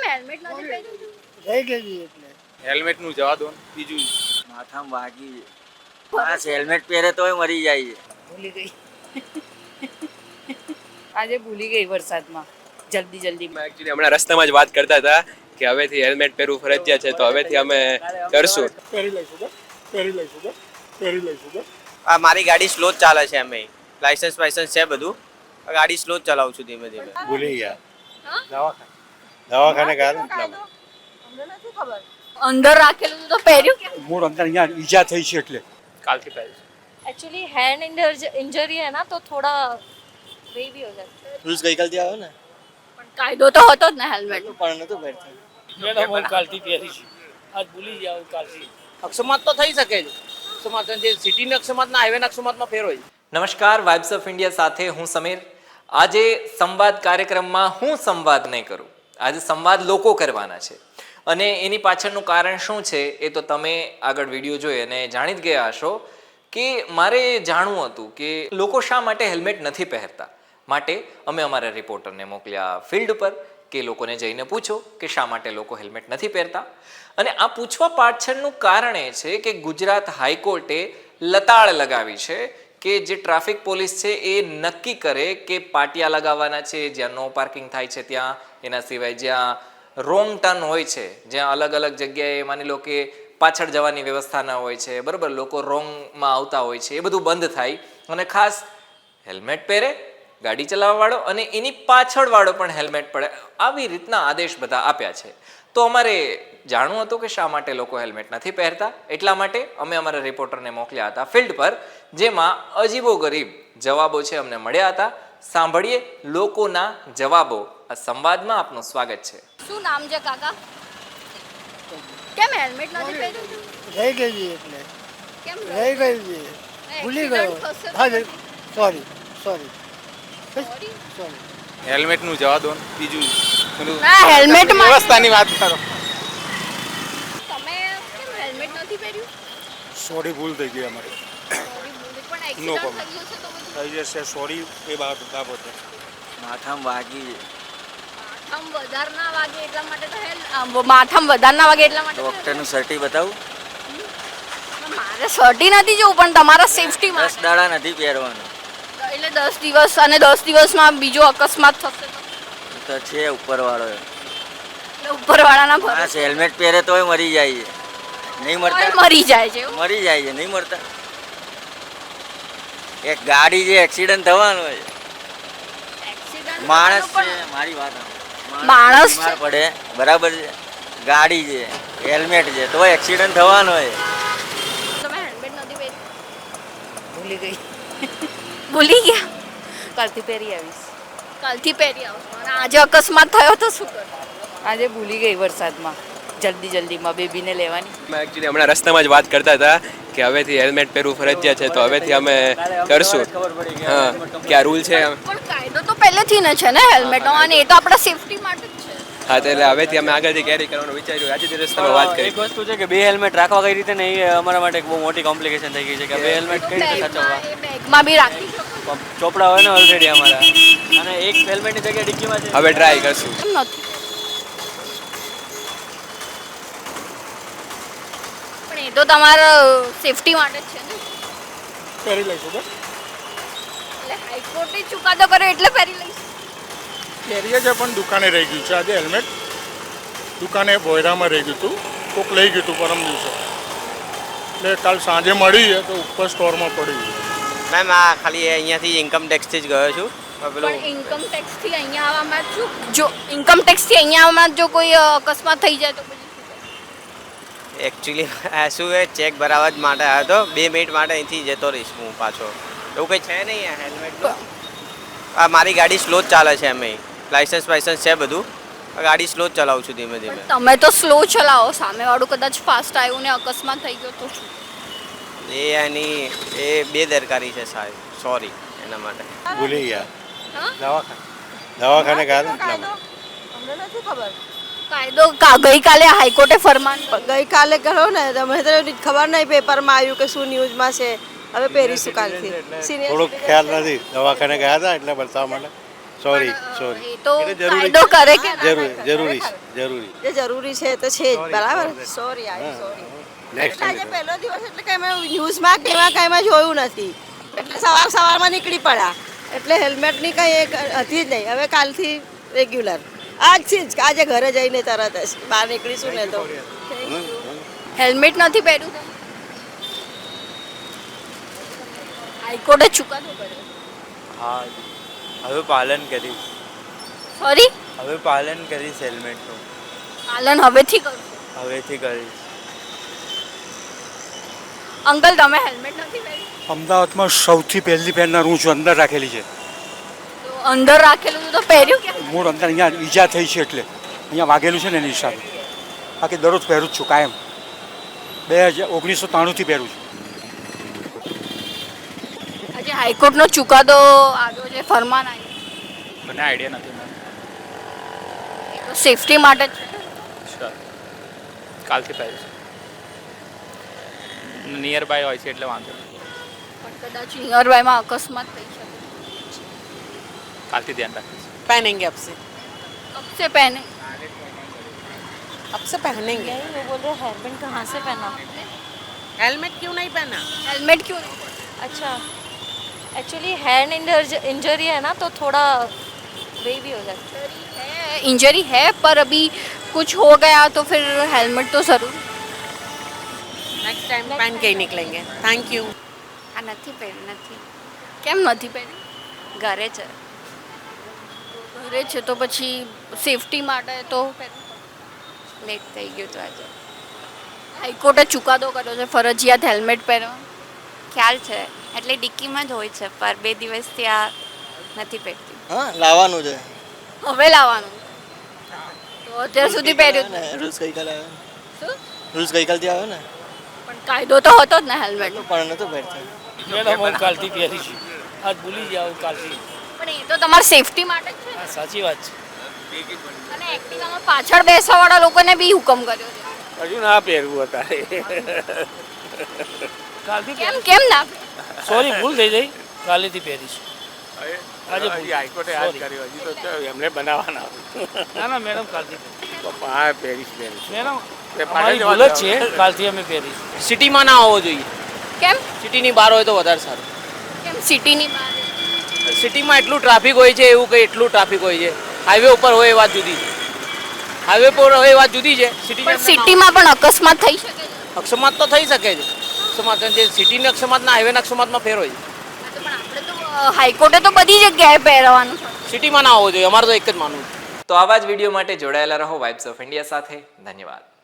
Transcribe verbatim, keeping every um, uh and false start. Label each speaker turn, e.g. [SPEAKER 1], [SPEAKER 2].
[SPEAKER 1] Helmet નથી પહેર્યું?
[SPEAKER 2] રહી ગઈ એટલે
[SPEAKER 3] હેલ્મેટ નું જવા દો. બીજું
[SPEAKER 4] માથામાં વાગી બસ હેલ્મેટ પહેરે તોય મરી જાય છે.
[SPEAKER 2] ભૂલી ગઈ આજે ભૂલી ગઈ વરસાદમાં જલ્દી જલ્દી.
[SPEAKER 3] એકચ્યુઅલી હમણાં રસ્તામાં જ વાત કરતા હતા કે હવેથી હેલ્મેટ પહેરવું ફરજિયાત છે, તો હવેથી અમે કરશું.
[SPEAKER 5] પહેરી લઈશું પહેરી લઈશું પહેરી લઈશું.
[SPEAKER 6] આ મારી ગાડી સ્લો જ ચાલે છે, અમે લાયસન્સ વાયસન્સ છે બધું, ગાડી સ્લો જ ચલાવું છું ધીમે ધીમે.
[SPEAKER 5] ભૂલી ગયા દવાખાને દવાખાને ગયા
[SPEAKER 1] અમને નથી ખબર. અંદર રાખેલું તો પહેર્યું કે
[SPEAKER 5] મૂળ અંદર અહીંયા ઈજા થઈ છે એટલે
[SPEAKER 3] કાલથી પહેરીશું.
[SPEAKER 1] एक्चुअली हैंड इंजरी है ना तो थोड़ा वे भी हो जाता है.
[SPEAKER 4] રૂલ્સ ગઈકાલથી આવ્યો ને
[SPEAKER 1] પણ કાયદો તો હતો જ ને હેલ્મેટ.
[SPEAKER 4] પણ નતો પહેરતો.
[SPEAKER 7] મેડમ હું કાલથી પહેરીશ, આજ ભૂલી જાવ કાલથી. અક્ષમાત તો થઈ શકે જ, અક્ષમાત જે સિટીના અક્ષમાતના હાઈવેના અક્ષમાતમાં ફેર હોય.
[SPEAKER 8] નમસ્કાર, વાઇબ્સ ઓફ ઇન્ડિયા સાથે હું સમીર. આજે સંવાદ કાર્યક્રમમાં હું સંવાદ નહીં કરું, આજે સંવાદ લોકો કરવાના છે. અને એની પાછળનું કારણ શું છે એ તો તમે આગળ વિડીયો જોઈ અને જાણી જ ગયા હશો કે મારે જાણવું હતું કે લોકો શા માટે હેલ્મેટ નથી પહેરતા. માટે અમે અમારા રિપોર્ટરને મોકલ્યા ફિલ્ડ પર કે લોકોને જઈને પૂછો કે શા માટે લોકો હેલ્મેટ નથી પહેરતા. અને આ પૂછવા પાછળનું કારણ એ છે કે ગુજરાત હાઈકોર્ટે લતાળ લગાવી છે કે જે ટ્રાફિક પોલીસ છે એ નક્કી કરે કે પાટિયા લગાવવાના છે જ્યાં નો પાર્કિંગ થાય છે ત્યાં, એના સિવાય જ્યાં રોંગ ટર્ન હોય છે, જ્યાં અલગ અલગ જગ્યાએ માની લો કે પાછળ જવાની વ્યવસ્થા ના હોય છે, બરાબર, લોકો રોંગમાં આવતા હોય છે, એ બધું બંધ થાય. અને ખાસ હેલ્મેટ પહેરે ગાડી ચલાવવાવાળો અને એની પાછળવાળો પણ હેલ્મેટ પડે, આવી રીતના આદેશ બધા આપ્યા છે. તો અમારે જાણવું હતું કે શા માટે લોકો હેલ્મેટ નથી પહેરતા, એટલા માટે અમે અમારા રિપોર્ટરને મોકલ્યા હતા ફિલ્ડ પર, જેમાં અજીબો ગરીબ જવાબો છે અમને મળ્યા હતા. સાંભળીએ લોકોના જવાબો. આ સંવાદમાં આપનું સ્વાગત છે.
[SPEAKER 1] શું નામ છે કાકા? કેમ હેલ્મેટ નથી પહેર્યું?
[SPEAKER 2] રહી ગઈ એટલે
[SPEAKER 1] કેમ
[SPEAKER 2] રહી ગઈ ભૂલી ગયો. હા sorry sorry
[SPEAKER 1] Sorry?
[SPEAKER 2] Sorry.
[SPEAKER 3] Helmet નું જવા દો. બીજું
[SPEAKER 1] ના, હેલ્મેટ માં
[SPEAKER 3] વ્યવસ્થાની વાત કરો.
[SPEAKER 1] તમે કેમ હેલ્મેટ નથી પહેર્યું?
[SPEAKER 5] સોરી ભૂલ થઈ ગઈ અમારી.
[SPEAKER 1] Sorry, બોલે પણ
[SPEAKER 5] No
[SPEAKER 1] એક્સિડન્ટ
[SPEAKER 5] problem.
[SPEAKER 1] થઈ ગયું છે તો બધું
[SPEAKER 5] થઈ જશે સોરી એ બાબત બાબતે.
[SPEAKER 4] માથામાં વાગી
[SPEAKER 1] માથામાં વધાર ના વાગે એટલા માટે તો હેલ આમ માથામાં વધાર ના વાગે એટલા માટે તો
[SPEAKER 4] ડોક્ટરનું સર્ટી બતાવું.
[SPEAKER 1] helmet. મારે સર્ટી નથી જોવું પણ તમારા સેફટી
[SPEAKER 4] દસ
[SPEAKER 1] માટે
[SPEAKER 4] દાડા નથી પહેરવાનું
[SPEAKER 1] એટલે દસ દિવસ અને દસ દિવસમાં બીજો અકસ્માત થશે તો
[SPEAKER 4] તો છે ઉપરવાળો.
[SPEAKER 1] એટલે ઉપરવાળાના
[SPEAKER 4] માણસ
[SPEAKER 1] ભરોસે
[SPEAKER 4] હેલ્મેટ પહેરે તોય મરી જાય છે. નહીં મરતા,
[SPEAKER 1] મરી જાય છે એવું.
[SPEAKER 4] મરી જાય છે, નહીં મરતા. એક ગાડી જે એક્સિડન્ટ થવાનું હોય,
[SPEAKER 1] Accident
[SPEAKER 4] માણસ
[SPEAKER 1] થવાનું
[SPEAKER 4] છે, મારી વાત સાંભળો.
[SPEAKER 1] માણસ
[SPEAKER 4] બીમાર પડે બરાબર છે, ગાડી છે, હેલ્મેટ છે, તો એક્સિડન્ટ થવાનો હોય.
[SPEAKER 1] પણ તમે હેલ્મેટ નથી પહેર્યું?
[SPEAKER 2] ભૂલી ગઈ
[SPEAKER 1] ભૂલી ગયા?
[SPEAKER 2] કાલથી પહેરી આવીશ.
[SPEAKER 1] કાલથી પહેરી આવશો અને આજે અકસ્માત થયો તો શું કરો?
[SPEAKER 2] આજે ભૂલી ગઈ વરસાદમાં જલ્દી જલ્દીમાં બેબીને લેવાની.
[SPEAKER 3] એકચ્યુઅલી હમણાં રસ્તામાં જ વાત કરતા હતા કે હવેથી હેલ્મેટ પહેરવું ફરજિયાત છે, તો હવેથી અમે કરશું. હા, કે આ રૂલ છે.
[SPEAKER 1] પણ કાયદો તો પહેલેથી ને છે ને હેલ્મેટનો, અને એ તો આપણા સેફટી માટે જ છે.
[SPEAKER 3] હા, તો એટલે હવેથી અમે આગળથી કેરી કરવાનું વિચાર્યું. આજે જ રસ્તામાં વાત કરી.
[SPEAKER 9] એક વસ્તુ છે કે બે હેલ્મેટ રાખવા કઈ રીતે નહીં, એ અમારા માટે એક બહુ મોટી કોમ્પ્લિકેશન થઈ ગઈ છે કે બે હેલ્મેટ કઈ રીતે સાચવવા.
[SPEAKER 1] બેગમાં એ બેગમાં બી રાખી શકો.
[SPEAKER 9] ચોપડા હોય ને ઓલરેડી અમારા, અને એક હેલ્મેટની જગ્યાએ ડિક્કીમાં છે.
[SPEAKER 3] હવે ટ્રાય કરશું.
[SPEAKER 1] કેમ નથી? પણ એ તો તમારા સેફટી માટે જ છે ને.
[SPEAKER 5] પહેરી લઈશું
[SPEAKER 1] એટલે હાઈકોર્ટે ચુકાદો કર્યો એટલે પહેરી લઈશ.
[SPEAKER 5] પહેરીએ છે પણ દુકાને રહી ગયું છે આજે હેલ્મેટ. દુકાને બોયરામાં રહી ગયું હતું, કોક લઈ ગયું હતું પરમ દિવસે, એટલે કાલ સાંજે મળી છે તો ઉપર સ્ટોરમાં પડી ગયું.
[SPEAKER 6] મેમ આ ખાલી અહીંયાથી ઇન્કમ ટેક્સથી જ ગયો છું. પેલું
[SPEAKER 1] પણ ઇન્કમ ટેક્સ થી અહીંયા આવવામાં જો જો ઇન્કમ ટેક્સ થી અહીંયા આવવામાં જો કોઈ અ, અકસ્માત થઈ જાય તો પછી શું થાય?
[SPEAKER 6] એકચ્યુઅલી આ શું એ ચેક ભરાવવા જ માટે આવ્યો હતો. બે મિનિટ માટે અહીંથી જતો રહીશ હું પાછો. એવું કંઈ છે નહીં આ હેલ્મેટનું. આ મારી ગાડી સ્લો જ ચાલે છે, અમે લાયસન્સ વાયસન્સ છે બધું, ગાડી સ્લો જ ચલાવું છું ધીમે ધીમે.
[SPEAKER 1] પણ તમે તો સ્લો ચલાવો, સામેવાળું કદાચ ફાસ્ટ આવ્યું ને અકસ્માત થઈ ગયો તો શું?
[SPEAKER 6] એ એની એ બેદરકારી છે સાહેબ, સોરી એના માટે.
[SPEAKER 5] ભૂલી ગયા
[SPEAKER 1] હા?
[SPEAKER 5] દવાખાને દવાખાને ગયા એટલા માટે.
[SPEAKER 10] અમને નથી ખબર.
[SPEAKER 1] કાયદો કા- ગઈકાલે હાઈકોર્ટે ફરમાન
[SPEAKER 10] ગઈકાલે કરો ને તમે તો ખબર નહીં પેપરમાં આવ્યું કે શું ન્યૂઝમાં છે. હવે પહેરીશું કાલથી.
[SPEAKER 5] થોડોક ખ્યાલ નથી, દવાખાને ગયા હતા એટલે બતાવવા માટે
[SPEAKER 2] સોરી
[SPEAKER 1] પણ, અ,
[SPEAKER 2] સોરી
[SPEAKER 1] એ તો
[SPEAKER 2] એટલે જરૂરી
[SPEAKER 1] કાયદો કરે કે ના
[SPEAKER 2] જરૂરી
[SPEAKER 1] કરે?
[SPEAKER 2] જરૂરી છે, જરૂરી
[SPEAKER 10] જે જરૂરી છે એ તો છે જ બરાબર સોરી આઈ સોરી
[SPEAKER 2] નેક્સ્ટ
[SPEAKER 10] આજે પહેલો દિવસ એટલે કે મેં ન્યૂઝમાં કે એમાં કંઈ મેં જોયું નથી એટલે સવાર સવારમાં નીકળી પડ્યા એટલે હેલ્મેટની કંઈ એક હતી જ નહીં હવે કાલથી રેગ્યુલર આજથી જ આજે ઘરે જઈને તરત જ બહાર નીકળીશું ને તો
[SPEAKER 1] હેલ્મેટ નથી પહેર્યું તમે? હાઈકોર્ટે ચુકાદો કર્યો.
[SPEAKER 11] હા હવે પાલન કરીશ
[SPEAKER 1] સોરી,
[SPEAKER 11] હવે પાલન કરીશ હેલ્મેટનું
[SPEAKER 1] પાલન હવેથી કરું.
[SPEAKER 11] હવેથી કરીશ.
[SPEAKER 1] અંકલ તમે હેલ્મેટ નથી પહેર્યું?
[SPEAKER 2] અમદાવાદમાં સૌથી પહેલી પહેરનાર હું છું, અંદર રાખેલી છે.
[SPEAKER 1] તો અંદર રાખેલું હતું તો પહેર્યું કેમ?
[SPEAKER 2] મૂળ અંદર અહીંયા ઈજા થઈ છે એટલે અહીંયા વાગેલું છે ને એની હિસાબે. બાકી દરરોજ પહેરું જ છું કાયમ. બે હજાર ઓગણીસો ત્રાણુંથી પહેરું છું.
[SPEAKER 1] આજે હાઈકોર્ટનો ચુકાદો આવ્યો છે, ફરમાન આવ્યું.
[SPEAKER 3] મને આઈડિયા નથી
[SPEAKER 1] એ તો સેફટી માટે જ છે.
[SPEAKER 3] શ્યોર કાલથી પહેરીશ. નિયર બાય હોય છે એટલે વાંધો નહીં.
[SPEAKER 1] પણ કદાચ નિયર બાયમાં અકસ્માત થઈ શકે.
[SPEAKER 3] કાલથી ધ્યાન રાખીશ.
[SPEAKER 10] पहनेंगे अब से
[SPEAKER 1] કબ સે પહેને?
[SPEAKER 10] अब से पहनेंगे
[SPEAKER 12] वो बोल रहे हेयरबैंड कहाँ से पहना?
[SPEAKER 10] हेलमेट क्यों नहीं पहना
[SPEAKER 1] हेलमेट क्यों नहीं?
[SPEAKER 12] अच्छा एक्चुअली हैंड इंजरी है ना तो थोड़ा वही भी हो जाता
[SPEAKER 1] है इंजरी है पर अभी कुछ हो गया तो फिर हेलमेट तो जरूर.
[SPEAKER 10] नेक्स्ट टाइम पहन के ही निकलेंगे थैंक यू
[SPEAKER 12] આ નથી પહેર્યું નથી
[SPEAKER 1] કેમ નથી પહેર્યું?
[SPEAKER 12] ઘરે છે
[SPEAKER 1] ઘરે છે તો પછી સેફટી માટે તો પહેરવું.
[SPEAKER 12] લેટ થઈ ગયું તો આજે
[SPEAKER 1] હાઈકોર્ટે ચુકાદો કર્યો છે ફરજિયાત હેલ્મેટ પહેરવાનું.
[SPEAKER 12] ખ્યાલ છે એટલે ડિક્કીમાં જ હોય છે પર બે દિવસથી આ નથી પહેરતી
[SPEAKER 4] હા લાવવાનું છે
[SPEAKER 1] હવે લાવવાનું તો અત્યાર સુધી પહેર્યું જ નહીં.
[SPEAKER 4] રૂલ્સ ગઈકાલે આવ્યો
[SPEAKER 1] શું?
[SPEAKER 4] રૂલ્સ ગઈકાલથી આવ્યો ને
[SPEAKER 1] પણ કાયદો તો હતો જ ને હેલ્મેટ.
[SPEAKER 4] પણ નહોતું પહેરતા
[SPEAKER 7] મેડમ હું કાલથી પહેરી છું આજ ભૂલી જાઉં કાલથી
[SPEAKER 1] પણ એ તો તમારી સેફટી માટે જ છે ને.
[SPEAKER 7] હા સાચી વાત છે
[SPEAKER 1] અને એક્ટિવામાં પાછળ બેસવાવાળા લોકોને બી હુકમ કર્યો છે.
[SPEAKER 7] હજુ ના પહેરવું અત્યારે કાલથી
[SPEAKER 1] કેમ કેમ ના?
[SPEAKER 7] સોરી ભૂલ થઈ ગઈ કાલેથી પહેરીશું આજે
[SPEAKER 5] હાઈકોર્ટે યાદ કર્યો હજી તો એમને બનાવવાના
[SPEAKER 7] ના ના મેડમ કાલથી
[SPEAKER 5] હા પહેરીશ પહેરીશ
[SPEAKER 7] મેડમ અમારી ભૂલ જ છે કાલથી અમે પહેરીશું સિટીમાં ના હોવો જોઈએ
[SPEAKER 1] કેમ
[SPEAKER 7] સિટીની બહાર હોય તો વધારે સારું
[SPEAKER 1] કેમ સિટીની બહાર?
[SPEAKER 7] સિટીમાં એટલું ટ્રાફિક હોય છે એવું કંઈ એટલું ટ્રાફિક હોય છે હાઈવે ઉપર હોય એ વાત જુદી છે હાઈવે પર હોય એ વાત જુદી છે
[SPEAKER 1] પણ સિટીમાં પણ અકસ્માત થઈ શકે છે.
[SPEAKER 7] અકસ્માત તો થઈ શકે છે અકસ્માત જે સિટીના અકસ્માતના હાઈવેના અકસ્માતમાં ફેર હોય છે
[SPEAKER 1] પણ આપણે તો અ, હાઈકોર્ટે તો બધી જગ્યાએ પહેરવાનું છે.
[SPEAKER 7] સિટીમાં ના હોવો જોઈએ અમારે તો એક જ માનવું છે
[SPEAKER 8] તો આવા જ વિડીયો માટે જોડાયેલા રહો વાઇબ્સ ઓફ ઇન્ડિયા સાથે. ધન્યવાદ.